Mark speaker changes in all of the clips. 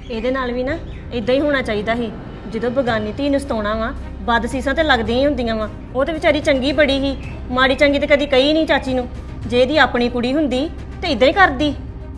Speaker 1: ਇਹਦੇ ਨਾਲ ਵੀ ਨਾ ਇਦਾਂ ਹੀ ਹੋਣਾ ਚਾਹੀਦਾ ਸੀ। ਜਦੋਂ ਬਗਾਨੀ ਧੀ ਨੂੰ ਸਤਾਉਣਾ ਵਾ ਬਦ ਸੀਸਾਂ ਤੇ ਲੱਗਦੀਆਂ ਹੀ ਹੁੰਦੀਆਂ ਵਾ। ਉਹ ਤੇ ਵਿਚਾਰੀ ਚੰਗੀ ਬੜੀ ਸੀ, ਮਾੜੀ ਚੰਗੀ ਤੇ ਕਦੀ ਕਹੀ ਨਹੀਂ ਚਾਚੀ ਨੂੰ। ਜੇ ਇਹਦੀ ਆਪਣੀ ਕੁੜੀ ਹੁੰਦੀ ਤੇ ਇਦਾਂ ਹੀ ਕਰਦੀ।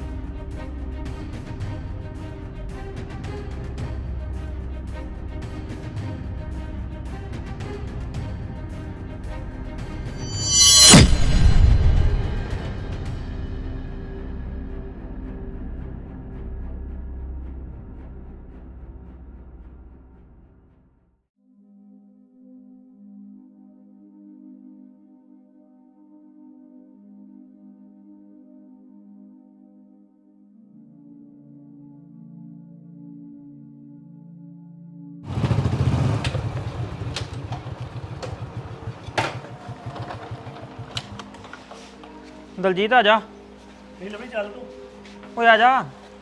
Speaker 2: ਦਲਜੀਤ ਆ ਜਾ।
Speaker 3: ਨਹੀਂ ਲਵੀ ਚੱਲ ਤੂੰ।
Speaker 2: ਓਏ ਆ ਜਾ।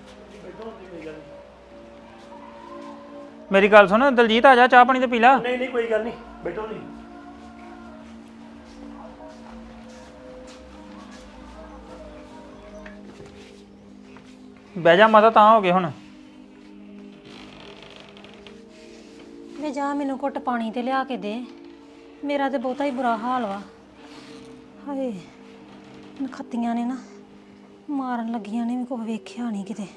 Speaker 2: ਮੇਰੀ ਗੱਲ ਸੁਣ ਦਲਜੀਤ, ਆ ਜਾ ਚਾਹ ਪਾਣੀ ਤੇ ਪੀ ਲਾ।
Speaker 3: ਨਹੀਂ ਕੋਈ ਗੱਲ ਨਹੀਂ, ਬੈਠੋ ਨਹੀਂ।
Speaker 2: ਬਹਿ ਜਾ ਮਾਤਾ, ਤਾਂ ਹੋ ਗਏ ਹੁਣ।
Speaker 4: ਵੇ ਜਾ ਮੈਨੂੰ ਘੁੱਟ ਪਾਣੀ ਤੇ ਲਿਆ ਕੇ ਦੇ। ਮੇਰਾ ਤੇ ਬਹੁਤਾ ਹੀ ਬੁਰਾ ਹਾਲ ਵਾ। ਹਾਏ ਨਖੱਤੀਆਂ ਨੇ ਨਾ ਮਾਰਨ ਲੱਗੀਆਂ ਨੇ ਵੀ ਕੁਛ ਵੇਖਿਆ ਨਹੀਂ ਕਿਤੇ।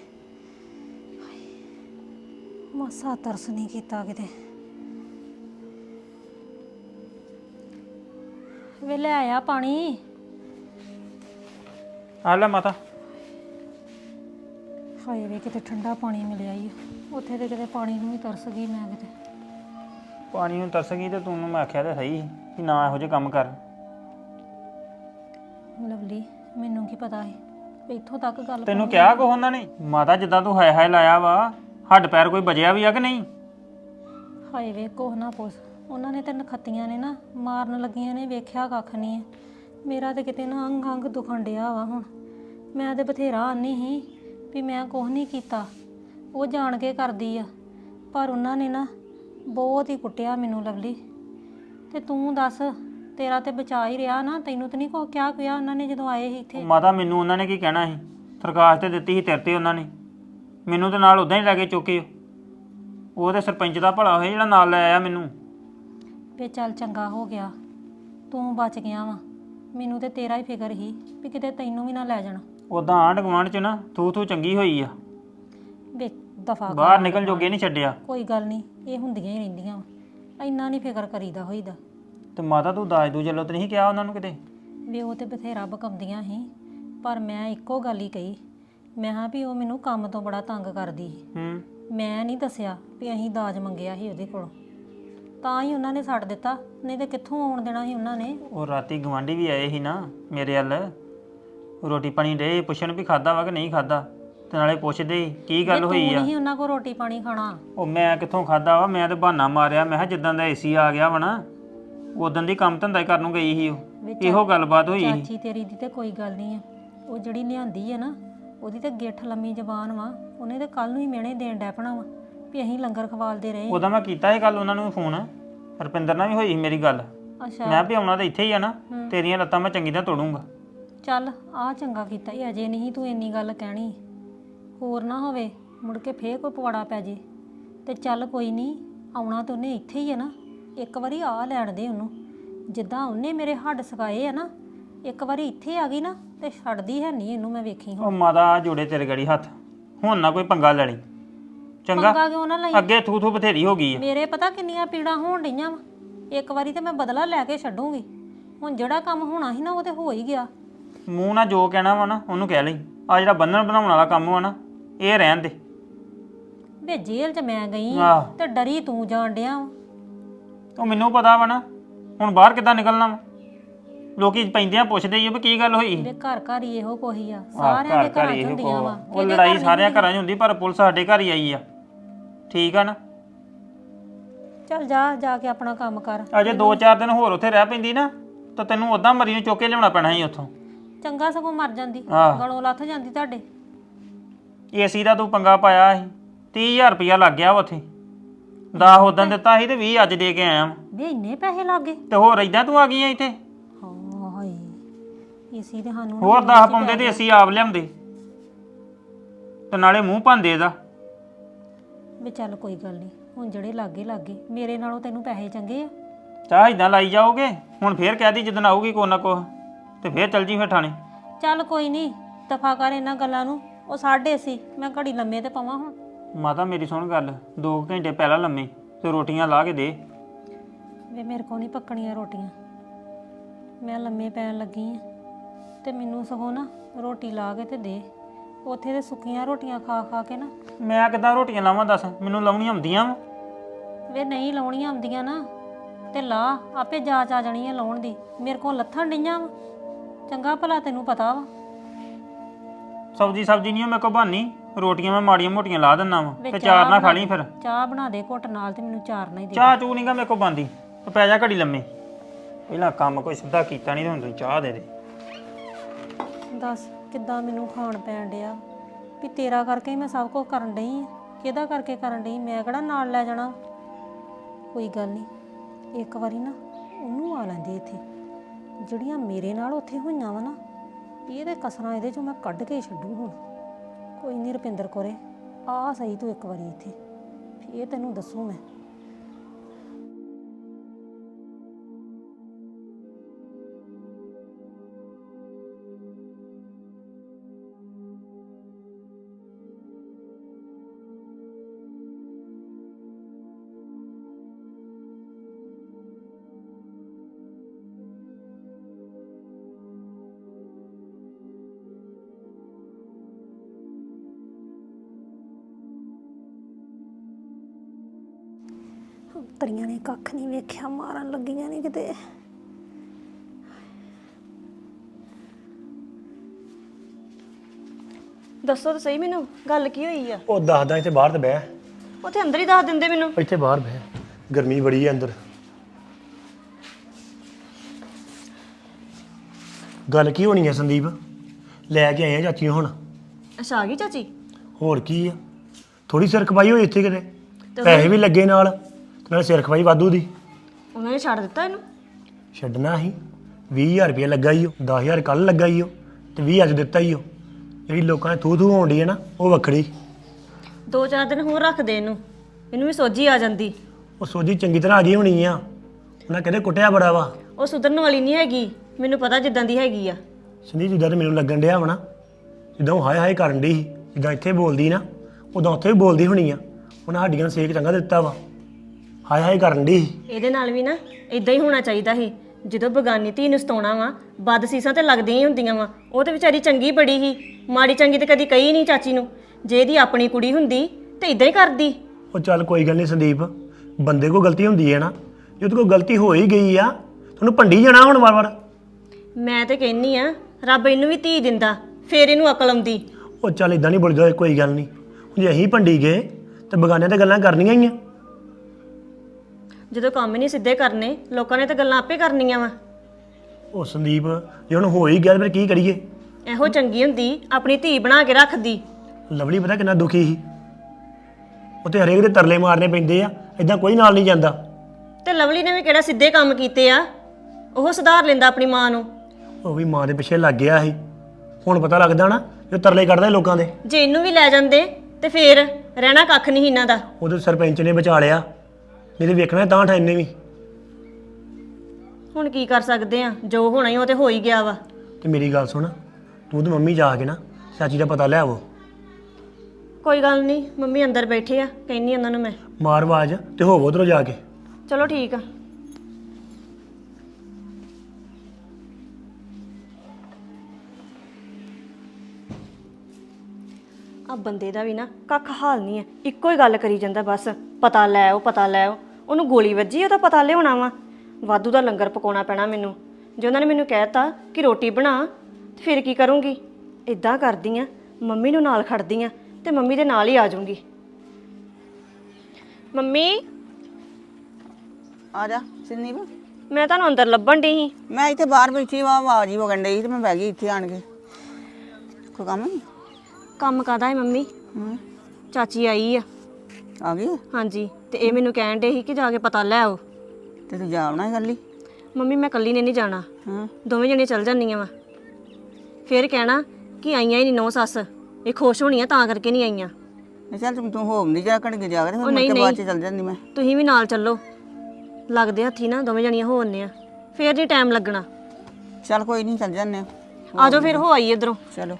Speaker 4: ਮਾਸਾ ਤਰਸ ਨਹੀਂ ਕੀਤਾ ਕਿਤੇ। ਵੇ ਲੈ ਆਇਆ ਪਾਣੀ।
Speaker 2: ਆ ਲੈ ਮਾਤਾ।
Speaker 4: ਹਾਏ ਵੇ ਕਿਤੇ ਠੰਡਾ ਪਾਣੀ ਮਿਲਿਆ ਈ। ਉੱਥੇ ਤੇ ਕਿਤੇ ਪਾਣੀ ਨੂੰ ਵੀ ਤਰਸ ਗਈ ਮੈਂ ਕਿਤੇ।
Speaker 2: ਪਾਣੀ ਨੂੰ ਤਰਸ ਗਈ ਤੇ ਤੂੰ ਮੈਂ ਆਖਿਆ ਤਾਂ ਸਹੀ ਕਿ ਨਾ ਇਹੋ ਜਿਹੇ ਕੰਮ ਕਰ।
Speaker 4: ਲਵਲੀ ਮੈਨੂੰ ਕੀ ਪਤਾ ਸੀ ਵੀ ਇੱਥੋਂ ਤੱਕ ਗੱਲ
Speaker 2: ਤੈਨੂੰ ਕਿਹਾ ਕੁਛ ਉਹਨਾਂ ਨੇ? ਮਾਤਾ ਜਿੱਦਾਂ ਤੂੰ ਹਾਏ ਹਾਏ ਲਾਇਆ ਵਾ, ਹੱਡ ਪੈਰ ਕੋਈ ਬਜਿਆ ਵੀ ਆ ਕਿ ਨਹੀਂ?
Speaker 4: ਹਾਏ ਵੇ ਕੁਛ ਨਾ ਪੁੱਛ। ਉਹਨਾਂ ਨੇ ਤੇ ਨਖੱਤੀਆਂ ਨੇ ਨਾ ਮਾਰਨ ਲੱਗੀਆਂ ਨੇ, ਵੇਖਿਆ ਕੱਖ ਨਹੀਂ ਹੈ। ਮੇਰਾ ਤੇ ਕਿਤੇ ਨਾ ਅੰਗ ਅੰਗ ਦੁਖਣ ਡਿਆ ਵਾ ਹੁਣ। ਮੈਂ ਤੇ ਬਥੇਰਾ ਆਨੀ ਸੀ ਵੀ ਮੈਂ ਕੁਛ ਨਹੀਂ ਕੀਤਾ, ਉਹ ਜਾਣ ਕੇ ਕਰਦੀ ਆ। ਪਰ ਉਹਨਾਂ ਨੇ ਨਾ ਬਹੁਤ ਹੀ ਕੁੱਟਿਆ ਮੈਨੂੰ ਲਵਲੀ। ਤੇ ਤੂੰ ਦੱਸ, ਤੇਰਾ ਤੇ ਬਚਾ ਹੀ ਰਿਹਾ ਨਾ। ਤੈਨੂੰ ਤੇ ਨਹੀਂ ਕੁਛ ਕਿਹਾ ਉਹਨਾਂ ਨੇ ਜਦੋਂ ਆਏ ਸੀ ਇੱਥੇ?
Speaker 2: ਮਾਤਾ ਮੈਨੂੰ ਉਹਨਾਂ ਨੇ ਕੀ ਕਹਿਣਾ ਸੀ? ਦਰਖਾਸਤ ਤੇ ਦਿੱਤੀ ਸੀ ਤੇਰੇ ਤੇ ਉਹਨਾਂ ਨੇ। ਮੈਨੂੰ ਤਾਂ ਨਾਲ ਉਦਾਂ ਹੀ ਲੈ ਕੇ ਚੁੱਕੇ। ਉਹ ਤੇ ਸਰਪੰਚ ਦਾ ਭਲਾ ਹੋਇਆ ਜਿਹੜਾ ਨਾਲ ਲੈ ਆਇਆ ਮੈਨੂੰ।
Speaker 4: ਵੇ ਚੱਲ ਚੰਗਾ ਹੋ ਗਿਆ ਤੂੰ ਬਚ ਗਿਆ ਵਾ। ਮੈਨੂੰ ਤੇ ਤੇਰਾ ਹੀ ਫਿਕਰ ਸੀ ਵੀ ਕਿਤੇ ਤੈਨੂੰ ਵੀ ਨਾ ਲੈ ਜਾਣ।
Speaker 2: ਉਦਾਂ ਆਂਢ ਗੁਆਂਢ ਚ ਨਾ ਤੂੰ ਚੰਗੀ ਹੋਈ ਆ।
Speaker 4: ਵੇ ਦਫਾ
Speaker 2: ਬਾਹਰ ਨਿਕਲ ਜੋਗੇ ਨਹੀਂ ਛੱਡਿਆ।
Speaker 4: ਕੋਈ ਗੱਲ ਨਹੀਂ, ਇਹ ਹੁੰਦੀਆਂ ਹੀ ਰਹਿੰਦੀਆਂ ਵਾ। ਇੰਨਾ ਨਹੀਂ ਫਿਕਰ ਕਰੀਦਾ ਹੋਈਦਾ।
Speaker 2: ਤੇ ਮਾਤਾ ਤੂੰ ਦਾਜ ਦੂਜ ਵੱਲੋਂ ਤੇ ਨਹੀਂ ਕਿਹਾ ਉਹਨਾਂ ਨੂੰ ਕਿਤੇ?
Speaker 4: ਵੀ ਉਹ ਤੇ ਬਥੇਰਾ ਬਕਾਉਂਦੀਆਂ ਸੀ, ਪਰ ਮੈਂ ਇੱਕੋ ਗੱਲ ਹੀ ਕਹੀ। ਮੈਂ ਕਿਹਾ ਵੀ ਉਹ ਮੈਨੂੰ ਕੰਮ ਤੋਂ ਬੜਾ ਤੰਗ ਕਰਦੀ ਸੀ। ਮੈਂ ਨਹੀਂ ਦੱਸਿਆ ਵੀ ਅਸੀਂ ਦਾਜ ਮੰਗਿਆ ਸੀ ਉਹਦੇ ਕੋਲੋਂ, ਤਾਂ ਹੀ ਉਹਨਾਂ ਨੇ ਛੱਡ ਦਿੱਤਾ। ਨਹੀਂ ਤੇ ਕਿੱਥੋਂ ਆਉਣ ਦੇਣਾ ਸੀ ਉਹਨਾਂ ਨੇ।
Speaker 2: ਉਹ ਰਾਤੀ ਗਵਾਂਢੀ ਵੀ ਆਏ ਸੀ ਨਾ ਮੇਰੇ ਵੱਲ, ਰੋਟੀ ਪਾਣੀ ਡੇ ਪੁੱਛਣ ਵੀ ਖਾਦਾ ਵਾ ਕਿ ਨਹੀਂ ਖਾਦਾ, ਤੇ ਨਾਲੇ ਪੁੱਛਦੇ ਕੀ ਗੱਲ ਹੋਈ ਆ।
Speaker 4: ਤੂੰ ਨਹੀਂ ਉਹਨਾਂ ਕੋਲ ਰੋਟੀ ਪਾਣੀ ਖਾਣਾ।
Speaker 2: ਉਹ ਮੈਂ ਕਿੱਥੋਂ ਖਾਦਾ ਵਾ? ਮੈਂ ਤੇ ਬਹਾਨਾ ਮਾਰਿਆ। ਮੈਂ ਕਿਹਾ ਜਿੱਦਾਂ ਦਾ ਏਸੀ ਆ ਗਿਆ ਵਾ ਨਾ, ਉਦੋਂ ਦੀ ਕੰਮ ਧੰਦਾ ਕਰਨ ਨੂੰ ਗਈ ਸੀ। ਉਹ ਇਹੋ ਗੱਲਬਾਤ ਹੋਈ ਸੀ।
Speaker 4: ਚਾਚੀ ਤੇਰੀ ਦੀ ਤੇ ਕੋਈ ਗੱਲ ਨਹੀਂ ਆ। ਉਹ ਜਿਹੜੀ ਲਿਆਂਦੀ ਆ ਨਾ, ਉਹਦੀ ਤੇ ਗਿੱਠ ਲੰਮੀ ਜ਼ਬਾਨ ਵਾ। ਉਹਨੇ ਤੇ ਕੱਲ ਨੂੰ ਹੀ ਮਿਹਣੇ ਦੇਣ ਡੈ ਪਣਾ ਵਾ ਵੀ ਅਸੀਂ ਲੰਗਰ ਖਵਾਲਦੇ ਰਹੇ।
Speaker 2: ਉਦੋਂ ਮੈਂ ਕੀਤਾ ਸੀ ਕੱਲ ਉਹਨਾਂ ਨੂੰ ਫੋਨ, ਰੁਪਿੰਦਰ ਨਾਲ ਵੀ ਹੋਈ ਸੀ ਮੇਰੀ ਗੱਲ।
Speaker 4: ਅੱਛਾ
Speaker 2: ਮੈਂ ਵੀ ਆਉਣਾ ਤਾਂ ਇੱਥੇ ਹੀ ਆ ਨਾ, ਤੇਰੀਆਂ ਲੱਤਾਂ ਮੈਂ ਚੰਗੀ ਤਰ੍ਹਾਂ ਤੋੜੂੰਗਾ।
Speaker 4: ਚੱਲ ਆ ਚੰਗਾ ਕੀਤਾ ਹੀ। ਅਜੇ ਨਹੀਂ ਤੂੰ ਇੰਨੀ ਗੱਲ ਕਹਿਣੀ, ਹੋਰ ਨਾ ਹੋਵੇ ਮੁੜ ਕੇ ਫੇਰ ਕੋਈ ਪਵਾੜਾ ਪੈ ਜੇ। ਤੇ ਚੱਲ ਕੋਈ ਨਹੀਂ, ਆਉਣਾ ਤਾਂ ਉਹਨੇ ਇੱਥੇ ਹੀ ਆ ਨਾ। ਇੱਕ ਵਾਰੀ ਆ ਲੈਣ ਦੇ ਉਹਨੂੰ। ਜਿੱਦਾਂ ਉਹਨੇ ਮੇਰੇ ਹੱਡ ਸਕਾਏ ਆ ਨਾ, ਇੱਕ ਵਾਰੀ ਇੱਥੇ ਆ ਗਈ ਨਾ ਤੇ ਛੱਡਦੀ ਹੈ ਨਹੀਂ ਇਹਨੂੰ। ਮੈਂ ਵੇਖੀ
Speaker 2: ਉਹ ਮਾਤਾ ਜੋੜੇ ਤੇਰੇ ਗੜੀ ਹੱਥ, ਹੁਣ ਨਾ ਕੋਈ ਪੰਗਾ ਲੈ ਲਈ ਚੰਗਾ।
Speaker 4: ਪੰਗਾ ਕਿਉਂ ਨਾ ਲਈ?
Speaker 2: ਅੱਗੇ ਥੂ ਬਥੇਰੀ ਹੋ ਗਈ ਆ।
Speaker 4: ਮੇਰੇ ਪਤਾ ਕਿੰਨੀਆਂ ਪੀੜਾਂ ਹੋਣ ਡਈਆਂ ਵਾ। ਇੱਕ ਵਾਰੀ ਤੇ ਮੈਂ ਬਦਲਾ ਲੈ ਕੇ ਛੱਡੂੰਗੀ। ਹੁਣ ਜਿਹੜਾ ਕੰਮ ਹੋਣਾ ਸੀ ਨਾ ਉਹ ਤੇ ਹੋ ਹੀ ਗਿਆ।
Speaker 2: ਮੂੰਹ ਨਾਲ ਜੋ ਕਹਿਣਾ ਵਾ ਨਾ ਉਹਨੂੰ ਕਹਿ ਲਈ। ਆ ਜਿਹੜਾ ਬੰਨਣ ਬਣਾਉਣ ਵਾਲਾ ਕੰਮ ਵਾ ਨਾ, ਇਹ ਰਹਿਣ ਦੇ।
Speaker 4: ਵੇ ਜੇਲ੍ਹ 'ਚ ਮੈਂ ਗਈ
Speaker 2: ਆਹ।
Speaker 4: ਤੇ ਡਰੀ ਤੂੰ ਜਾਣ ਡਿਆ ਵਾ।
Speaker 2: ਉਹ ਮੈਨੂੰ ਪਤਾ ਵਾ ਨਾ ਹੁਣ ਬਾਹਰ ਕਿੱਦਾਂ ਨਿਕਲਣਾ ਵਾ। ਲੋਕੀ ਪੈਂਦਿਆਂ ਪੁੱਛਦੇ ਹੀ ਆ ਵੀ ਕੀ ਗੱਲ ਹੋਈ।
Speaker 4: ਵੇ ਘਰ ਘਰ ਹੀ ਇਹੋ ਕੁਛ ਆ। ਸਾਰਿਆਂ ਦੇ ਘਰਾਂ 'ਚ ਹੁੰਦੀਆਂ ਵਾ।
Speaker 2: ਉਹ ਲੜਾਈ ਸਾਰਿਆਂ ਘਰਾਂ 'ਚ ਹੁੰਦੀ, ਪਰ ਪੁਲਿਸ ਸਾਡੇ ਘਰ ਹੀ ਆਈ ਆ। ਠੀਕ ਆ ਨਾ?
Speaker 4: ਚੱਲ ਜਾ ਕੇ ਆਪਣਾ ਕੰਮ ਕਰ।
Speaker 2: ਅਜੇ 2-4 ਦਿਨ ਹੋਰ ਉੱਥੇ ਰਹਿ ਪੈਂਦੀ ਨਾ ਤਾਂ ਤੈਨੂੰ ਉਦਾਂ ਮਰੀ ਨੂੰ ਚੁੱਕ ਕੇ ਲਿਆਉਣਾ ਪੈਣਾ ਸੀ ਉੱਥੋਂ।
Speaker 4: ਚੰਗਾ ਸਗੋਂ ਮਰ ਜਾਂਦੀ,
Speaker 2: ਆਹ।
Speaker 4: ਗਲੋਂ ਲੱਥ ਜਾਂਦੀ ਤੁਹਾਡੇ।
Speaker 2: ਏਸੀ ਦਾ ਤੂੰ ਪੰਗਾ ਪਾਇਆ ਸੀ, 30,000 ਰੁਪਇਆ ਲੱਗ ਗਿਆ ਵਾ ਉੱਥੇ। 10 ਉਦੋਂ ਦਿੱਤਾ ਸੀ ਤੇ 20 ਅੱਜ ਦੇ ਕੇ ਆਇਆ ਵਾਂ।
Speaker 4: ਵੇ ਇੰਨੇ ਪੈਸੇ ਲੱਗ ਗਏ?
Speaker 2: ਤੇ ਹੋਰ ਏਦਾਂ ਤੂੰ ਆ ਗਈ ਆ ਇੱਥੇ?
Speaker 4: ਹਾਏ ਏਸੀ ਤੇ ਸਾਨੂੰ
Speaker 2: ਹੋਰ 10 ਪਾਉਂਦੇ ਤੇ ਅਸੀਂ ਆਪ ਲਿਆਉਂਦੇ, ਤੇ ਨਾਲੇ ਮੂੰਹ ਭਾਂਦੇ ਦਾ।
Speaker 4: ਵੀ ਚੱਲ ਕੋਈ ਗੱਲ ਨਹੀਂ, ਹੁਣ ਜਿਹੜੇ ਲਾਗੇ ਲਾਗੇ ਮੇਰੇ ਨਾਲੋਂ ਤੈਨੂੰ ਪੈਸੇ ਚੰਗੇ ਆ।
Speaker 2: ਚਾਹ ਇਦਾਂ ਲਾਈ ਜਾਓਗੇ, ਹੁਣ ਫੇਰ ਕਹਿ ਦੀ ਜਦੋਂ ਆਊਗੀ ਕੋ ਨਾ ਕੋ ਤੇ ਫੇਰ ਚੱਲ ਜੀ ਫਿਰ ਥਾਣੇ।
Speaker 4: ਚੱਲ ਕੋਈ ਨਹੀਂ, ਦਫਾ ਕਰ ਇਹਨਾਂ ਗੱਲਾਂ ਨੂੰ। ਉਹ 8:30 ਸੀ, ਮੈਂ ਘੜੀ ਲੰਮੇ ਤੇ ਪਵਾਂ ਹੁਣ।
Speaker 2: ਮਾਤਾ ਮੇਰੀ ਸੁਣ ਗੱਲ, 2 ਘੰਟੇ ਪਹਿਲਾਂ ਲੰਮੇ ਤੇ ਰੋਟੀਆਂ ਲਾ ਕੇ ਦੇ।
Speaker 4: ਵੇ ਮੇਰੇ ਕੋਲ ਨਹੀਂ ਪੱਕਣੀਆਂ ਰੋਟੀਆਂ, ਮੈਂ ਲੰਮੇ ਪੈਣ ਲੱਗੀ ਆ ਤੇ ਮੈਨੂੰ ਸਗੋਂ ਨਾ ਰੋਟੀ ਲਾ ਕੇ ਤੇ ਦੇ। ਉੱਥੇ ਤੇ ਸੁੱਕੀਆਂ ਰੋਟੀਆਂ ਖਾ ਖਾ ਕੇ ਨਾ
Speaker 2: ਮੈਂ ਕਿੱਦਾਂ ਰੋਟੀਆਂ ਲਾਵਾਂ ਦੱਸ, ਮੈਨੂੰ ਲਾਉਣੀਆਂ ਆਉਂਦੀਆਂ ਵਾ।
Speaker 4: ਵੇ ਨਹੀਂ ਲਾਉਣੀਆਂ ਆਉਂਦੀਆਂ ਨਾ ਤੇ ਲਾ, ਆਪੇ ਜਾਚ ਆ ਜਾਣੀ ਆ ਲਾਉਣ ਦੀ। ਮੇਰੇ ਕੋਲ ਲੱਥਣ ਡਈਆਂ ਵਾ, ਚੰਗਾ ਭਲਾ ਤੈਨੂੰ ਪਤਾ ਵਾ।
Speaker 2: ਸਬਜ਼ੀ ਨਹੀਂ ਮੇਰੇ ਕੋ ਬਾਨੀ, ਰੋਟੀਆਂ ਮੈਂ ਮਾੜੀਆਂ ਮੋਟੀਆਂ ਲਾ ਦਿੰਦਾ ਵਾ ਤੇ ਚਾਰ ਨਾ ਖਾ ਲਈ ਫਿਰ।
Speaker 4: ਚਾਹ ਬਣਾ ਦੇ ਘੁੱਟ ਨਾਲ ਤੇ ਮੈਨੂੰ ਚਾਰ ਨਾ ਹੀ ਦੇ।
Speaker 2: ਚਾਹ ਚੂ ਨਹੀਂਗਾ ਮੇਰੇ ਕੋ ਬੰਦੀ, ਪੈ ਜਾ ਘੜੀ ਲੰਮੇ। ਪਹਿਲਾਂ ਕੰਮ ਕੋਈ ਸਿੱਧਾ ਕੀਤਾ ਨਹੀਂ ਤੇ ਹੁਣ ਤੂੰ ਚਾਹ ਦੇ ਦੇ।
Speaker 4: ਦੱਸ ਕਿੱਦਾਂ ਮੈਨੂੰ ਖਾਣ ਪੈਣ ਡਿਆ ਵੀ ਤੇਰਾ ਕਰਕੇ ਹੀ ਮੈਂ ਸਭ ਕੁਝ ਕਰਨ ਡਈ ਆ। ਕਿਹਦਾ ਕਰਕੇ ਕਰਨ ਡਈ? ਮੈਂ ਕਿਹੜਾ ਨਾਲ ਲੈ ਜਾਣਾ। ਕੋਈ ਗੱਲ ਨਹੀਂ, ਇੱਕ ਵਾਰੀ ਨਾ ਉਹਨੂੰ ਆ ਲੈਂਦੇ ਇੱਥੇ, ਜਿਹੜੀਆਂ ਮੇਰੇ ਨਾਲ ਉੱਥੇ ਹੋਈਆਂ ਵਾ ਨਾ, ਇਹਦੇ ਕਸਰਾਂ ਇਹਦੇ ਚੋਂ ਮੈਂ ਕੱਢ ਕੇ ਛੱਡੂ ਹੁਣ। ਕੋਈ ਨਹੀਂ ਰੁਪਿੰਦਰ ਕੋਰੇ, ਆ ਸਹੀ ਤੂੰ ਇੱਕ ਵਾਰੀ ਇੱਥੇ, ਇਹ ਤੈਨੂੰ ਦੱਸੂ ਮੈਂ। ਤਰੀਆਂ ਨੇ ਕੱਖ ਨਹੀਂ ਵੇਖਿਆ, ਮਾਰਨ ਲੱਗੀਆਂ ਨੇ ਕਿਤੇ।
Speaker 1: ਦੱਸੋ ਤਾਂ ਸਹੀ ਮੈਨੂੰ, ਗੱਲ ਕੀ ਹੋਈ ਆ?
Speaker 3: ਉਹ ਦੱਸਦਾ ਇੱਥੇ ਬਾਹਰ ਤੇ ਬਹਿ।
Speaker 1: ਉੱਥੇ ਅੰਦਰ ਹੀ ਦੱਸ ਦਿੰਦੇ ਮੈਨੂੰ।
Speaker 3: ਇੱਥੇ ਬਾਹਰ ਬਹਿ, ਗਰਮੀ ਬੜੀ ਹੈ ਅੰਦਰ। ਗੱਲ ਕੀ ਹੋਣੀ ਹੈ ਸੰਦੀਪ? ਲੈ ਕੇ ਆਏ ਆ ਚਾਚੀ ਹੁਣ।
Speaker 1: ਅੱਛਾ ਆ ਗਈ ਚਾਚੀ?
Speaker 3: ਹੋਰ ਕੀ ਆ, ਥੋੜੀ ਸਿਰ ਖਪਾਈ ਹੋਈ ਇੱਥੇ ਕਿਤੇ, ਪੈਸੇ ਵੀ ਲੱਗੇ ਨਾਲ, ਤੇ ਨਾਲ ਸਿਰ ਖਪਾਈ ਵਾਧੂ ਦੀ।
Speaker 1: ਉਹਨਾਂ ਨੇ ਛੱਡ ਦਿੱਤਾ ਇਹਨੂੰ?
Speaker 3: ਛੱਡਣਾ ਸੀ, 20,000 ਰੁਪਇਆ ਲੱਗਾ ਹੀ ਉਹ, 10,000 ਕੱਲ੍ਹ ਲੱਗਾ ਹੀ ਉਹ, ਤੇ 20 ਅੱਜ ਦਿੱਤਾ ਹੀ ਉਹ। ਜਿਹੜੀ ਲੋਕਾਂ ਨੇ ਥੂ ਹੋਣ ਡਈ ਹੈ ਨਾ, ਉਹ ਵੱਖਰੀ।
Speaker 1: 2-4 ਦਿਨ ਹੋਰ ਰੱਖ ਦੇ ਇਹਨੂੰ, ਇਹਨੂੰ ਵੀ ਸੋਝੀ ਆ ਜਾਂਦੀ।
Speaker 3: ਉਹ ਸੋਝੀ ਚੰਗੀ ਤਰ੍ਹਾਂ ਆ ਗਈ ਹੋਣੀ ਆ, ਉਹਨਾਂ ਕਹਿੰਦੇ ਕੁੱਟਿਆ ਬੜਾ ਵਾ।
Speaker 1: ਉਹ ਸੁਧਰਨ ਵਾਲੀ ਨਹੀਂ ਹੈਗੀ, ਮੈਨੂੰ ਪਤਾ ਜਿੱਦਾਂ ਦੀ ਹੈਗੀ ਆ।
Speaker 3: ਸੰਦੀਪ ਜਿੱਦਾਂ ਤਾਂ ਮੈਨੂੰ ਲੱਗਣ ਡਿਆ ਵਾ ਨਾ, ਜਿੱਦਾਂ ਉਹ ਹਾਏ ਹਾਏ ਕਰਨ ਡਈ ਸੀ, ਜਿੱਦਾਂ ਇੱਥੇ ਬੋਲਦੀ ਨਾ, ਉਦਾਂ ਉੱਥੇ ਵੀ ਬੋਲਦੀ ਹੋਣੀ ਆ। ਉਹਨਾਂ ਹੱਡੀਆਂ ਨੂੰ ਸੇਕ ਚੰਗਾ ਦਿੱਤਾ ਵਾ, ਹਾਏ ਹਾਏ ਕਰਨ ਡਈ ਸੀ।
Speaker 1: ਇਹਦੇ ਨਾਲ ਵੀ ਨਾ ਇਦਾਂ ਹੀ ਹੋਣਾ ਚਾਹੀਦਾ ਸੀ। ਜਦੋਂ ਬਗਾਨੀ ਧੀ ਨੂੰ ਸਤਾਉਣਾ ਵਾ, ਬਦ ਸੀਸਾਂ ਤੇ ਲੱਗਦੀਆਂ ਹੀ ਹੁੰਦੀਆਂ ਵਾ। ਉਹ ਤੇ ਵਿਚਾਰੀ ਚੰਗੀ ਬੜੀ ਸੀ, ਮਾੜੀ ਚੰਗੀ ਤੇ ਕਦੀ ਕਹੀ ਨਹੀਂ ਚਾਚੀ ਨੂੰ। ਜੇ ਇਹਦੀ ਆਪਣੀ ਕੁੜੀ ਹੁੰਦੀ ਤੇ ਇਦਾਂ ਹੀ ਕਰਦੀ।
Speaker 3: ਉਹ ਚੱਲ ਕੋਈ ਗੱਲ ਨਹੀਂ ਸੰਦੀਪ, ਬੰਦੇ ਕੋਲ ਗਲਤੀ ਹੁੰਦੀ ਹੈ ਨਾ, ਜੇ ਉਹਦੇ ਕੋਲ ਗਲਤੀ ਹੋ ਹੀ ਗਈ ਆ, ਤੁਹਾਨੂੰ ਭੰਡੀ ਜਾਣਾ ਹੁਣ ਵਾਰ-ਵਾਰ।
Speaker 1: ਮੈਂ ਤੇ ਕਹਿੰਨੀ ਆ ਰੱਬ ਇਹਨੂੰ ਵੀ ਧੀ ਦਿੰਦਾ, ਫੇਰ ਇਹਨੂੰ ਅਕਲ ਆਉਂਦੀ।
Speaker 3: ਉਹ ਚੱਲ ਇਦਾਂ ਨਹੀਂ ਬੋਲਦਾ, ਕੋਈ ਗੱਲ ਨਹੀਂ। ਹੁਣ ਜੇ ਅਸੀਂ ਭੰਡੀ ਗਏ ਤੇ ਬਗਾਨਿਆਂ ਤੇ ਗੱਲਾਂ ਕਰਨੀਆਂ ਹੀ ਆ।
Speaker 1: ਜਦੋਂ ਕੰਮ ਨਹੀਂ ਸਿੱਧੇ ਕਰਨੇ, ਲੋਕਾਂ ਨੇ ਤਾਂ ਗੱਲਾਂ ਆਪੇ ਕਰਨੀਆਂ ਵਾ।
Speaker 3: ਉਹ ਸੰਦੀਪ ਜੇ ਹੁਣ ਹੋ ਹੀ ਗਿਆ ਤਾਂ ਫਿਰ ਕੀ ਕਰੀਏ?
Speaker 1: ਇਹੋ ਚੰਗੀ ਹੁੰਦੀ ਆਪਣੀ ਧੀ ਬਣਾ ਕੇ ਰੱਖਦੀ।
Speaker 3: ਲਵਲੀ ਪਤਾ ਕਿੰਨਾ ਦੁਖੀ ਸੀ, ਉਹ ਤੇ ਹਰੇਕ ਦੇ ਤਰਲੇ ਮਾਰਨੇ ਪੈਂਦੇ ਆ, ਇਦਾਂ ਕੋਈ ਨਾਲ ਨਹੀਂ ਜਾਂਦਾ।
Speaker 1: ਤੇ ਲਵਲੀ ਨੇ ਵੀ ਕਿਹੜਾ ਸਿੱਧੇ ਕੰਮ ਕੀਤੇ ਆ, ਉਹ ਸੁਧਾਰ ਲੈਂਦਾ ਆਪਣੀ ਮਾਂ ਨੂੰ।
Speaker 3: ਉਹ ਵੀ ਮਾਂ ਦੇ ਪਿੱਛੇ ਲੱਗ ਗਿਆ ਸੀ, ਹੁਣ ਪਤਾ ਲੱਗਦਾ ਨਾ ਜੋ ਤਰਲੇ ਕੱਢਦਾ ਲੋਕਾਂ ਦੇ।
Speaker 1: ਜੇ ਇਹਨੂੰ ਵੀ ਲੈ ਜਾਂਦੇ ਤੇ ਫੇਰ ਰਹਿਣਾ ਕੱਖ ਨਹੀਂ ਇਹਨਾਂ ਦਾ।
Speaker 3: ਉਹਦੇ ਸਰਪੰਚ ਨੇ ਬਚਾ ਲਿਆ, ਨਹੀਂ ਤੇ ਵੇਖਣਾ ਤਾਂ ਠਾਇਨੇ ਵੀ।
Speaker 1: ਹੁਣ ਕੀ ਕਰ ਸਕਦੇ ਆ, ਜੋ ਹੋਣਾ ਹੀ ਉਹ ਤੇ ਹੋ ਹੀ ਗਿਆ ਵਾ।
Speaker 3: ਤੇ ਮੇਰੀ ਗੱਲ ਸੁਣ, ਤੂੰ ਤੇ ਮੰਮੀ ਜਾ ਕੇ ਨਾ ਚਾਚੀ ਦਾ ਪਤਾ ਲੈ ਆਵੋ।
Speaker 1: ਕੋਈ ਗੱਲ ਨਹੀਂ, ਮੰਮੀ ਅੰਦਰ ਬੈਠੇ ਆ, ਕਹਿੰਨੀ ਉਹਨਾਂ ਨੂੰ ਮੈਂ।
Speaker 3: ਮਾਰ ਆਵਾਜ਼ ਤੇ ਹੋਵੋ ਉਧਰੋਂ ਜਾ ਕੇ।
Speaker 1: ਚਲੋ ਠੀਕ ਆ। ਆ ਬੰਦੇ ਦਾ ਵੀ ਨਾ ਕੱਖ ਹਾਲ ਨਹੀਂ ਹੈ, ਇੱਕੋ ਹੀ ਗੱਲ ਕਰੀ ਜਾਂਦਾ ਬਸ, ਪਤਾ ਲੈ ਆਓ ਪਤਾ ਲੈ ਆਓ। ਉਹਨੂੰ ਗੋਲੀ ਵੱਜੀ, ਉਹਦਾ ਪਤਾ ਲਿਆਉਣਾ ਵਾ। ਵਾਧੂ ਦਾ ਲੰਗਰ ਪਕਾਉਣਾ ਪੈਣਾ ਮੈਨੂੰ। ਜੇ ਉਹਨਾਂ ਨੇ ਮੈਨੂੰ ਕਹਿਤਾ ਕਿ ਰੋਟੀ ਬਣਾ, ਤੇ ਫਿਰ ਕੀ ਕਰੂੰਗੀ? ਇਦਾਂ ਕਰਦੀ ਆ, ਮੰਮੀ ਨੂੰ ਨਾਲ ਖੜਦੀ ਆ ਤੇ ਮੰਮੀ ਦੇ ਨਾਲ ਹੀ ਆ ਜਾਊਂਗੀ। ਮੰਮੀ
Speaker 5: ਆ ਜਾ ਸਿੰਨੀ ਵਾ।
Speaker 1: ਮੈਂ ਤੁਹਾਨੂੰ ਅੰਦਰ ਲੱਭਣ ਡਈ ਸੀ।
Speaker 5: ਮੈਂ ਇੱਥੇ ਬਾਹਰ ਬੈਠੀ ਵਾ, ਆਵਾਜ਼ ਹੀ ਵਗਣ ਡਈ ਤੇ ਮੈਂ ਬਹਿ ਗਈ ਇੱਥੇ ਆਣ ਕੇ। ਕੋਈ ਕੰਮ ਨਹੀਂ?
Speaker 1: ਕੰਮ ਕਾਹਦਾ ਹੈ ਮੰਮੀ? ਚਾਚੀ ਆਈ ਆ।
Speaker 5: ਆ ਗਈ
Speaker 1: ਹਾਂਜੀ, ਤੇ ਇਹ ਮੈਨੂੰ ਕਹਿਣ ਡੇ ਸੀ ਕਿ ਜਾ ਕੇ ਪਤਾ ਲੈ ਆਓ।
Speaker 5: ਤੇ ਤੂੰ ਜਾਵਣਾ ਹੀ ਗੱਲ ਹੀ।
Speaker 1: ਮੰਮੀ ਮੈਂ ਇਕੱਲੀ ਨੇ ਨਹੀਂ ਜਾਣਾ,
Speaker 5: ਹਾਂ
Speaker 1: ਦੋਵੇਂ ਜਣੇ ਚੱਲ ਜਾਂਦੀਆਂ ਵਾ। ਫਿਰ ਕਹਿਣਾ ਕਿ ਆਈਆਂ ਹੀ ਨਹੀਂ ਨੌ ਸੱਸ, ਇਹ ਖੁਸ਼ ਹੋਣੀਆਂ ਤਾਂ ਕਰਕੇ ਨਹੀਂ ਆਈਆਂ।
Speaker 5: ਨਹੀਂ ਚੱਲ ਤੂੰ ਹੋ ਨਹੀਂ ਜਾ ਘੜ ਕੇ ਜਾ ਕੇ ਤੇ ਫਿਰ
Speaker 1: ਉਹ
Speaker 5: ਮੁੜ
Speaker 1: ਨਹੀਂ
Speaker 5: ਕੇ ਬਾਅਦ ਚ
Speaker 1: ਨਹੀਂ
Speaker 5: ਚੱਲ ਜਾਂਦੀ ਮੈਂ।
Speaker 1: ਤੁਸੀਂ ਵੀ ਨਾਲ ਚੱਲੋ, ਲੱਗਦੇ ਹੱਥੀ ਨਾ ਦੋਵੇਂ ਜਣੀਆਂ ਹੋ ਆਉਂਦੇ ਆ, ਫੇਰ ਨਹੀਂ ਟਾਈਮ ਲੱਗਣਾ।
Speaker 5: ਚੱਲ ਕੋਈ ਨਹੀਂ ਚੱਲ ਜਾਂਦੇ ਆ।
Speaker 1: ਆ ਜਾਓ ਫਿਰ ਹੋ ਆਈ ਇਧਰੋਂ।
Speaker 5: ਚਲੋ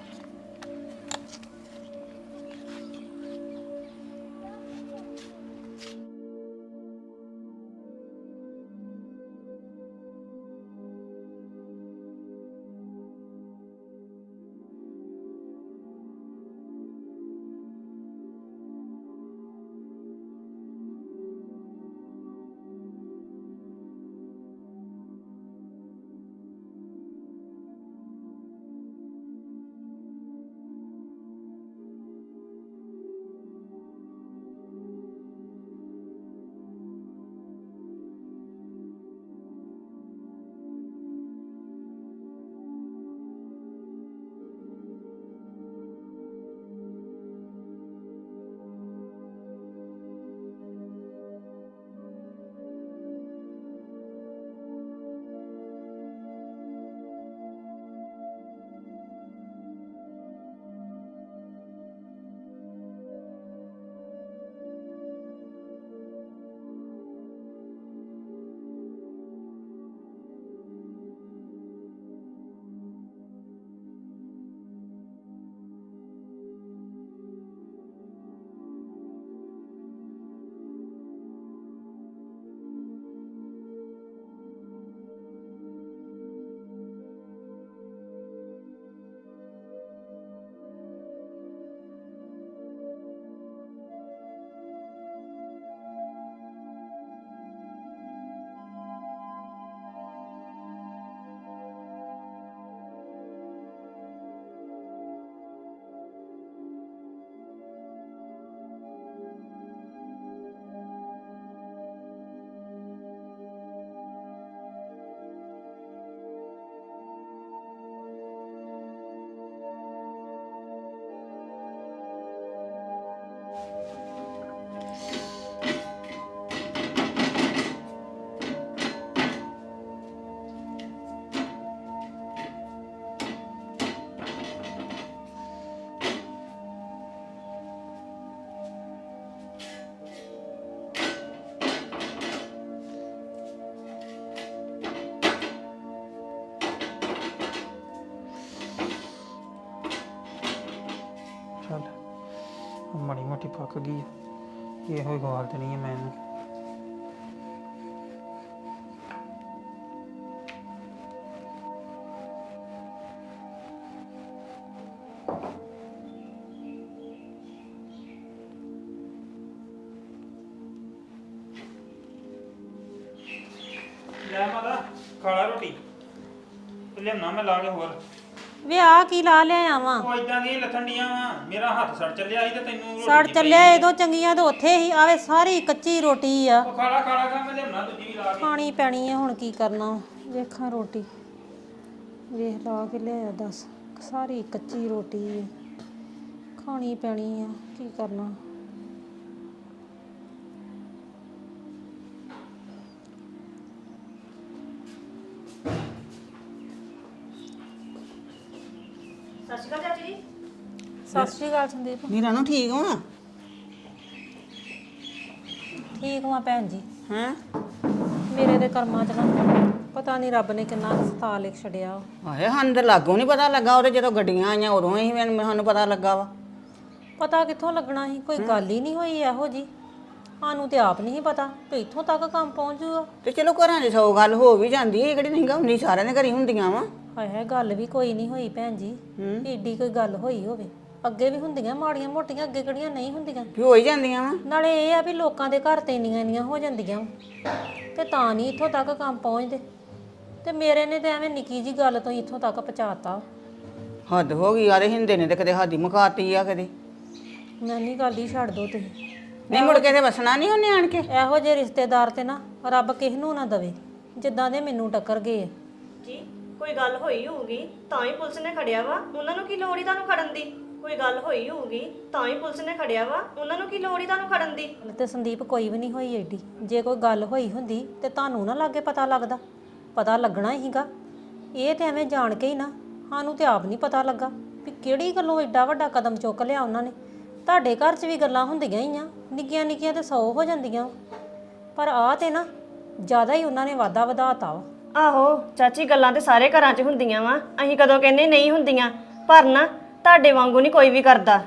Speaker 2: ਚੱਲ ਮਾੜੀ ਮੋਟੀ ਪੱਕ ਗਈ ਆ, ਇਹੋ ਹੀ ਗਵਾਲ ਦੇਣੀ ਹੈ ਮੈਂ ਇਹਨੂੰ। ਲੈ ਮਾਤਾ ਖਾ ਲਾ ਰੋਟੀ, ਲਿਆਉਣਾ ਮੈਂ ਲਾ ਕੇ ਹੋਰ।
Speaker 4: ਵੇ ਆ ਕੀ ਲਾ ਲਿਆ ਵਾ?
Speaker 2: ਉਹ ਇਦਾਂ ਦੀਆਂ ਲੱਥਣ ਡੀਆਂ ਵਾ, ਮੇਰਾ ਹੱਥ ਸੜ ਚੱਲਿਆ ਸੀ ਤੇ ਤੈਨੂੰ ਰੋਟੀ
Speaker 4: ਸੜ
Speaker 2: ਦੀ
Speaker 4: ਚੱਲਿਆ ਇਹਦੋਂ ਚੰਗੀਆਂ ਤੇ ਉੱਥੇ ਹੀ ਆਵੇ, ਸਾਰੀ ਕੱਚੀ ਰੋਟੀ ਆ।
Speaker 2: ਉਹ ਖਾ ਲਾ ਮੈਂ ਲਿਆਉਣਾ ਦੂਜੀ ਵੀ ਲਾ ਕੇ।
Speaker 4: ਖਾਣੀ ਪੈਣੀ ਆ, ਹੁਣ ਕੀ ਕਰਨਾ। ਵੇਖਾਂ ਰੋਟੀ, ਵੇਖ ਲਾ ਕੇ ਲਿਆ, ਦੱਸ ਸਾਰੀ ਕੱਚੀ ਰੋਟੀ ਆ, ਖਾਣੀ ਪੈਣੀ ਆ, ਕੀ ਕਰਨਾ।
Speaker 1: ਸਤਿ ਸ਼੍ਰੀ ਅਕਾਲ ਚਾਚੀ ਜੀ।
Speaker 4: ਸਤਿ ਸ਼੍ਰੀ ਅਕਾਲ ਸੰਦੀਪ।
Speaker 5: ਨੀਰਾ ਨੂੰ ਠੀਕ ਹੋ?
Speaker 4: ਠੀਕ ਵਾਂ ਭੈਣ ਜੀ।
Speaker 5: ਹੈਂ?
Speaker 4: ਮੇਰੇ ਦੇ ਕਰਮਾਂ 'ਚ ਨਾ ਪਤਾ ਨਹੀਂ ਰੱਬ ਨੇ ਕਿੰਨਾ ਸਤਾ ਲਿਖ ਛੜਿਆ।
Speaker 5: ਹਾਏ ਸਾਨੂੰ ਤਾਂ ਲਾਗੋਂ ਨਹੀਂ ਪਤਾ ਲੱਗਾ, ਉਹਦੇ ਜਦੋਂ ਗੱਡੀਆਂ ਆਈਆਂ ਉਦੋਂ ਹੀ ਸਾਨੂੰ ਪਤਾ ਲੱਗਾ ਵਾ।
Speaker 4: ਪਤਾ ਕਿੱਥੋਂ ਲੱਗਣਾ ਸੀ, ਕੋਈ ਗੱਲ ਹੀ ਨਹੀਂ ਹੋਈ ਇਹੋ ਜੀ। ਸਾਨੂੰ ਤੇ ਆਪ ਨਹੀਂ ਪਤਾ ਵੀ ਇੱਥੋਂ ਤੱਕ ਕੰਮ ਪਹੁੰਚ ਜੂਗਾ।
Speaker 5: ਤੇ ਚਲੋ ਘਰਾਂ 'ਚ 100 ਗੱਲ ਹੋ ਵੀ ਜਾਂਦੀ ਹੈ, ਕਿਹੜੀ ਨਹੀਂ ਗਾ ਹੁੰਦੀ, ਸਾਰਿਆਂ ਦੇ ਘਰੀ ਹੁੰਦੀਆਂ ਵਾ।
Speaker 4: ਹਾਏ ਹਾਏ, ਗੱਲ ਵੀ ਕੋਈ ਨਹੀਂ ਹੋਈ ਭੈਣ ਜੀ, ਏਡੀ ਕੋਈ ਗੱਲ ਹੋਈ ਹੋਵੇ। ਅੱਗੇ ਵੀ ਹੁੰਦੀਆਂ ਮਾੜੀਆਂ ਮੋਟੀਆਂ, ਅੱਗੇ ਕਿਹੜੀਆਂ ਨਹੀਂ ਹੁੰਦੀਆਂ।
Speaker 5: ਵੀ ਹੋ ਹੀ ਜਾਂਦੀਆਂ ਵਾ।
Speaker 4: ਨਾਲੇ ਇਹ ਆ ਵੀ ਲੋਕਾਂ ਦੇ ਘਰ ਤੇ ਇੰਨੀਆਂ ਹੋ ਜਾਂਦੀਆਂ ਤੇ ਤਾਂ ਨਹੀਂ ਇੱਥੋਂ ਤੱਕ ਕੰਮ ਪਹੁੰਚਦੇ। ਤੇ ਮੇਰੇ ਨੇ ਤਾਂ ਐਵੇਂ ਨਿੱਕੀ ਜੀ ਗੱਲ ਤੋਂ ਇੱਥੋਂ ਤੱਕ ਪਹੁੰਚਾਤਾ।
Speaker 5: ਹੱਦ ਹੋ ਗਈ ਯਾਰ, ਹਿੰਦੇ ਨੇ ਤੇ ਕਦੇ ਹਾਦੀ ਮੁਕਾਤੀ ਆ ਕਦੇ।
Speaker 4: ਮੈਂ ਨਹੀਂ ਗੱਲ ਹੀ ਛੱਡ ਦੋ ਤੁਸੀਂ।
Speaker 5: ਨਹੀਂ ਮੁੜ ਕੇ ਤੇ ਵਸਣਾ ਨਹੀਂ ਉਹਨੇ ਆਣ ਕੇ।
Speaker 4: ਇਹੋ ਜਿਹੇ ਰਿਸ਼ਤੇਦਾਰ ਤੇ ਨਾ ਰੱਬ ਕਿਸ ਨੂੰ ਨਾ ਦਵੇ ਜਿੱਦਾਂ ਦੇ ਮੈਨੂੰ ਟੱਕਰ ਗਏ ਆ।
Speaker 1: ਜੀ ਕੋਈ ਗੱਲ ਹੋਈ ਹੋਊਗੀ ਤਾਂ ਹੀ ਪੁਲਿਸ ਨੇ ਖੜਿਆ ਵਾ, ਉਹਨਾਂ ਨੂੰ ਕੀ ਲੋੜ ਹੀ ਤੁਹਾਨੂੰ ਖੜਨ ਦੀ। ਕੋਈ ਗੱਲ ਹੋਈ ਹੋਊਗੀ ਤਾਂ ਹੀ ਪੁਲਿਸ ਨੇ ਖੜਿਆ ਵਾ, ਉਹਨਾਂ ਨੂੰ ਕੀ ਲੋੜ ਹੀ ਤੁਹਾਨੂੰ ਖੜਨ ਦੀ।
Speaker 4: ਤੇ ਸੰਦੀਪ ਕੋਈ ਵੀ ਨਹੀਂ ਹੋਈ ਏਡੀ। ਜੇ ਕੋਈ ਗੱਲ ਹੋਈ ਹੁੰਦੀ ਤੇ ਤੁਹਾਨੂੰ ਨਾ ਲਾਗੇ ਪਤਾ ਲੱਗਦਾ, ਪਤਾ ਲੱਗਣਾ ਹੀਗਾ। ਇਹ ਤੇ ਐਵੇਂ ਜਾਣ ਕੇ ਹੀ ਨਾ, ਸਾਨੂੰ ਤੇ ਆਪ ਨਹੀਂ ਪਤਾ ਲੱਗਾ ਵੀ ਕਿਹੜੀ ਗੱਲੋਂ ਏਡਾ ਵੱਡਾ ਕਦਮ ਚੁੱਕ ਲਿਆ ਉਹਨਾਂ ਨੇ। ਤੁਹਾਡੇ ਘਰ 'ਚ ਵੀ ਗੱਲਾਂ ਹੁੰਦੀਆਂ ਹੀ ਆ, ਨਿੱਕੀਆਂ ਨਿੱਕੀਆਂ ਤੇ 100 ਹੋ ਜਾਂਦੀਆਂ, ਪਰ ਆਹ ਤੇ ਨਾ ਜ਼ਿਆਦਾ ਹੀ ਉਹਨਾਂ ਨੇ ਵਾਧਾ ਵਧਾਤਾ ਵਾ।
Speaker 1: ਆਹੋ ਚਾਚੀ, ਗੱਲਾਂ ਤੇ ਸਾਰੇ ਘਰਾਂ 'ਚ ਹੁੰਦੀਆਂ ਵਾ, ਅਸੀਂ ਕਦੋਂ ਕਹਿੰਦੇ ਨਹੀਂ ਹੁੰਦੀਆਂ, ਪਰ ਨਾ ਤੁਹਾਡੇ ਵਾਂਗੂ ਨਹੀਂ ਕੋਈ ਵੀ ਕਰਦਾ।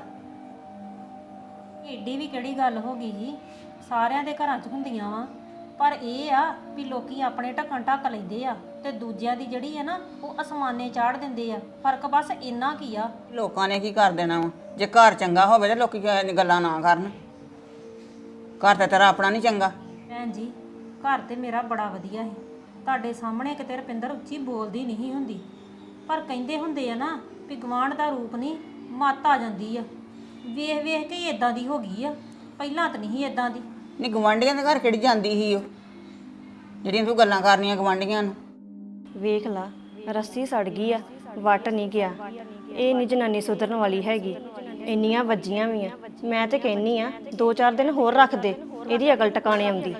Speaker 4: ਏਡੀ ਵੀ ਕਿਹੜੀ ਗੱਲ ਹੋ ਗਈ ਜੀ, ਸਾਰਿਆਂ ਦੇ ਘਰਾਂ 'ਚ ਹੁੰਦੀਆਂ ਵਾ, ਪਰ ਇਹ ਆ ਵੀ ਲੋਕੀ ਆਪਣੇ ਢੱਕਣ ਢੱਕ ਲੈਂਦੇ ਆ ਤੇ ਦੂਜਿਆਂ ਦੀ ਜਿਹੜੀ ਹੈ ਨਾ ਉਹ ਅਸਮਾਨੇ ਚਾੜ ਦਿੰਦੇ ਆ। ਫਰਕ ਬਸ ਇੰਨਾ ਕੀ ਆ।
Speaker 5: ਲੋਕਾਂ ਨੇ ਕੀ ਕਰ ਦੇਣਾ ਵਾ? ਜੇ ਘਰ ਚੰਗਾ ਹੋਵੇ ਤੇ ਲੋਕੀ ਗੱਲਾਂ ਨਾ ਕਰਨ। ਘਰ ਤਾਂ ਤੇਰਾ ਆਪਣਾ ਨਹੀਂ ਚੰਗਾ।
Speaker 4: ਭੈਣ ਜੀ, ਘਰ ਤੇ ਮੇਰਾ ਬੜਾ ਵਧੀਆ ਸੀ, ਤੁਹਾਡੇ ਸਾਹਮਣੇ ਕਿਤੇ ਰੁਪਿੰਦਰ ਉੱਚੀ ਬੋਲਦੀ ਨਹੀਂ ਹੁੰਦੀ, ਪਰ ਕਹਿੰਦੇ ਹੁੰਦੇ ਆ ਨਾ ਵੀ ਗਵਾਂਢ ਦਾ ਰੂਪ ਨਹੀਂ ਮੱਤ ਆ ਜਾਂਦੀ ਆ। ਵੇਖ ਵੇਖ ਕੇ ਹੀ ਇਦਾਂ ਦੀ ਹੋ ਗਈ ਆ, ਪਹਿਲਾਂ ਤਾਂ ਨਹੀਂ ਇਦਾਂ ਦੀ।
Speaker 5: ਨਹੀਂ ਗਵਾਂਢੀਆਂ ਦੇ ਘਰ ਕਿਹੜੀ ਜਾਂਦੀ ਸੀ ਉਹ ਜਿਹੜੀਆਂ ਤੂੰ ਗੱਲਾਂ ਕਰਨੀਆਂ ਗਵਾਂਢੀਆਂ ਨੂੰ?
Speaker 1: ਵੇਖ ਲਾ, ਰੱਸੀ ਸੜ ਗਈ ਆ, ਵੱਟ ਨਹੀਂ ਗਿਆ। ਇਹ ਨਹੀਂ ਜਨਾਨੀ ਸੁਧਰਨ ਵਾਲੀ ਹੈਗੀ, ਇੰਨੀਆਂ ਵੱਜੀਆਂ ਵੀ ਆ। ਮੈਂ ਤੇ ਕਹਿੰਨੀ ਆ 2-4 ਦਿਨ ਹੋਰ ਰੱਖ ਦੇ, ਇਹਦੀ ਅਕਲ ਟਿਕਾਣੇ ਆਉਂਦੀ।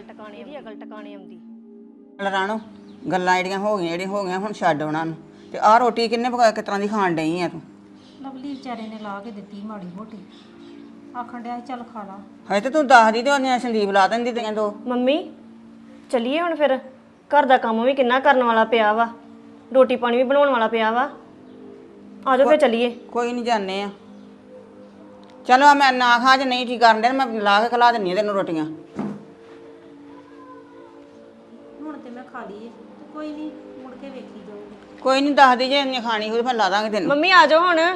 Speaker 5: ਰਾਣੋ, ਗੱਲਾਂ ਜਿਹੜੀਆਂ ਹੋ ਗਈਆਂ ਹੁਣ ਛੱਡ ਉਹਨਾਂ ਨੂੰ। ਤੇ ਆਹ ਰੋਟੀ ਕਿੰਨੇ ਪਕਾ ਕਿਸ ਤਰ੍ਹਾਂ ਦੀ ਖਾਣ ਡਈ ਆ ਤੂੰ?
Speaker 4: ਲਵਲੀ ਵਿਚਾਰੇ ਨੇ ਲਾ ਕੇ ਦਿੱਤੀ ਮਾੜੀ ਮੋਟੀ, ਆਖਣ ਡਿਆ ਸੀ ਚੱਲ ਖਾ ਲਾ।
Speaker 5: ਹਜੇ ਤੇ ਤੂੰ ਦੱਸਦੀ ਤੇ ਉਹਨੇ ਸੰਦੀਪ ਲਾ ਦਿੰਦੀ ਤੀਆਂ ਦੋ।
Speaker 1: ਮੰਮੀ ਚੱਲੀਏ ਹੁਣ ਫਿਰ, ਘਰ ਦਾ ਕੰਮ ਵੀ ਕਿੰਨਾ ਕਰਨ ਵਾਲਾ ਪਿਆ ਵਾ, ਰੋਟੀ ਪਾਣੀ ਵੀ ਬਣਾਉਣ ਵਾਲਾ ਪਿਆ ਵਾ। ਆ ਜਾਓ ਫਿਰ ਚੱਲੀਏ।
Speaker 5: ਕੋਈ ਨਹੀਂ ਜਾਂਦੇ ਆ। ਚਲੋ ਮੈਂ ਨਾ ਖਾ ਜੇ ਨਹੀਂ ਠੀਕ ਕਰਨ ਦੇ ਮੈਂ ਲਾ ਕੇ ਖਿਲਾ ਦਿੰਦੀ ਆ ਤੈਨੂੰ ਰੋਟੀਆਂ।
Speaker 4: ਹੁਣ ਤੇ ਮੈਂ ਖਾ ਲਈ ਹੈ ਤੇ ਕੋਈ ਨਹੀਂ, ਮੁੜ ਕੇ ਵੇਖੀ ਜਾਊਗੀ।
Speaker 5: ਕੋਈ ਨਹੀਂ ਦੱਸਦੀ ਜੇ ਇੰਨੀ ਖਾਣੀ ਹੋਵੇ ਫਿਰ ਲਾ ਦਾਂਗੇ ਤੈਨੂੰ।
Speaker 1: ਮੰਮੀ ਆ ਜਾਓ ਹੁਣ।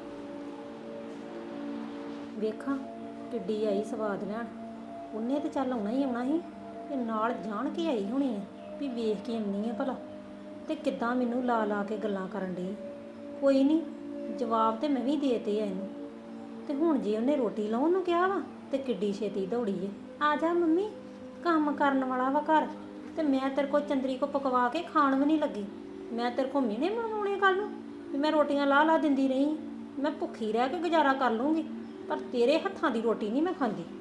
Speaker 4: ਵੇਖਾਂ ਕਿੱਡੀ ਆਈ ਸਵਾਦ ਲੈਣ, ਉਹਨੇ ਤੇ ਚੱਲ ਆਉਣਾ ਹੀ ਆਉਣਾ ਸੀ, ਤੇ ਨਾਲ ਜਾਣ ਕੇ ਆਈ ਹੋਣੀ ਹੈ ਵੀ ਵੇਖ ਕੇ ਆਉਣੀ ਹੈ ਭਲਾ, ਤੇ ਕਿੱਦਾਂ ਮੈਨੂੰ ਲਾ ਲਾ ਕੇ ਗੱਲਾਂ ਕਰਨ ਡਈ। ਕੋਈ ਨਹੀਂ, ਜਵਾਬ ਤੇ ਮੈਂ ਵੀ ਦੇਤੇ ਆ ਇਹਨੂੰ। ਤੇ ਹੁਣ ਜੇ ਉਹਨੇ ਰੋਟੀ ਲਾਉਣ ਨੂੰ ਕਿਹਾ ਵਾ ਤੇ ਕਿੱਡੀ ਛੇਤੀ ਦੌੜੀ ਏ। ਆ ਜਾ ਮੰਮੀ, ਕੰਮ ਕਰਨ ਵਾਲਾ ਵਾ ਘਰ, ਤੇ ਮੈਂ ਤੇਰੇ ਕੋਲ ਚੰਦਰੀ ਕੋ ਪਕਵਾ ਕੇ ਖਾਣ ਵੀ ਨਹੀਂ ਲੱਗੀ। ਮੈਂ ਤੇਰੇ ਕੋਲ ਮਿਹਣੇ ਮਨਾਉਣੇ ਕੱਲ ਨੂੰ ਵੀ ਮੈਂ ਰੋਟੀਆਂ ਲਾ ਦਿੰਦੀ ਰਹੀ। ਮੈਂ ਭੁੱਖੀ ਰਹਿ ਕੇ ਗੁਜ਼ਾਰਾ ਕਰ ਲੂੰਗੀ, ਪਰ ਤੇਰੇ ਹੱਥਾਂ ਦੀ ਰੋਟੀ ਨਹੀਂ ਮੈਂ ਖਾਂਦੀ।